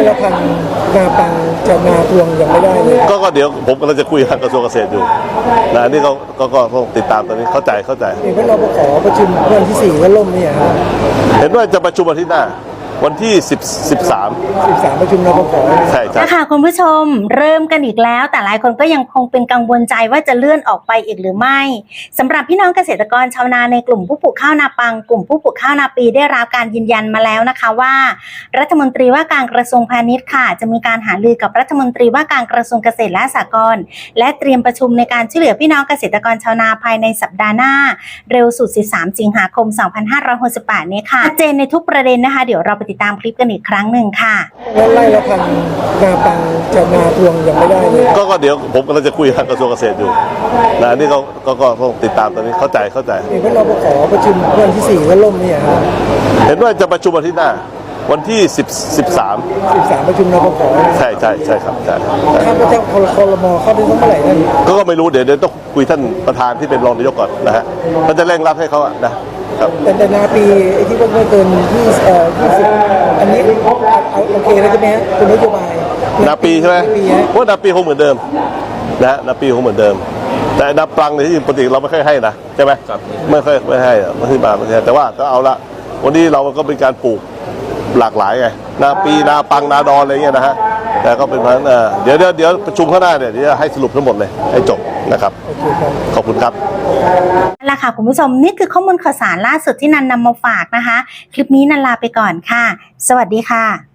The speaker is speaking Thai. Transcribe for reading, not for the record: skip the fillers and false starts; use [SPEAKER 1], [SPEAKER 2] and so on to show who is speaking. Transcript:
[SPEAKER 1] ละพันนาปังจะนาพวงยังไม่ได้เลย
[SPEAKER 2] ก็เดี๋ยวผมกำลังจะคุยกับกระทรวงเกษตรอยู่นะนี่ก็ต้องติดตามตอนนี้เข้าใจ
[SPEAKER 1] เห็นว่าเราขอประชุมวันที่4ก็ล่มเนี่ยครับ
[SPEAKER 2] เห็นว่าจะประชุมวันที่หน้าวันที่13
[SPEAKER 1] ประชุมนปป.
[SPEAKER 2] ใช่
[SPEAKER 3] ค่ะคุณผู้ชมเริ่มกันอีกแล้วแต่หลายคนก็ยังคงเป็นกังวลใจว่าจะเลื่อนออกไปอีกหรือไม่สำหรับพี่น้องเกษตรกรชาวนาในกลุ่มผู้ปลูกข้าวนาปังกลุ่มผู้ปลูกข้าวนาปีได้รับการยืนยันมาแล้วนะคะว่ารัฐมนตรีว่าการกระทรวงพาณิชย์ค่ะจะมีการหารือกับรัฐมนตรีว่าการกระทรวงเกษตรและสหกรณ์และเตรียมประชุมในการช่วยเหลือพี่น้องเกษตรกรชาวนาภายในสัปดาห์หน้าเร็วสุด13สิงหาคม2568นี้ค่ะชัดเจนในทุกประเด็นนะคะเดี๋ยวเราไปติดตามคลิปกันอีกครั้งหนึ่งค่ะ
[SPEAKER 1] ไล่ละพันนาปังจะนาพวงยังไม่ได้เลย
[SPEAKER 2] ก็เดี๋ยวผมกำลังจะคุยกับกระทรวงเกษตรอยู่นะนี่ก็ต้องติดตามตอนนี้เข้าใจ
[SPEAKER 1] เห็นว่าเราขอประชุมวันที่4ก็ล่มเนี่ยครับ
[SPEAKER 2] เห็นว่าจะประชุมวันที่หน้าวันที่13
[SPEAKER 1] ประชุมนปป.
[SPEAKER 2] ใช่ครับใช่
[SPEAKER 1] คาดว่าจะครม.เข้าได้เมื่อไหร่นั่น
[SPEAKER 2] ก็ไม่รู้เดี๋ยวต้องคุยท่านประธานที่เป็นรองนายกก่อนนะฮะเขาจะเร่งรัดให้เขาอะนะครับ
[SPEAKER 1] แต่นาปีที่ว่าไม่เกิน20อันนี้โอเคแล้วใช่ไหมฮะเป็นนโยบาย
[SPEAKER 2] นาปีใช่ไหมว่านาปีคงเหมือนเดิมนะนาปีคงเหมือนเดิมแต่นาปลังในที่ปกติเราไม่ค่อยให้นะใช่ไหมไม่ให้ไม่ให้มาแต่ว่าก็เอาละวันนี้เราก็เป็นการปลูกหลากหลายไงนาปีนาปังนาดอนอะไรเงี้ยนะฮะแต่ก็เป็นเพราะนั้นเดี๋ยวประชุมข้างหน้าเนี่ยเดี๋ยวให้สรุปทั้งหมดเลยให้จบนะครับขอบคุณครับ
[SPEAKER 3] นั่นแหละค่ะคุณผู้ชมนี่คือข้อมูลข่าวสารล่าสุดที่นันนำมาฝากนะคะคลิปนี้นันลาไปก่อนค่ะสวัสดีค่ะ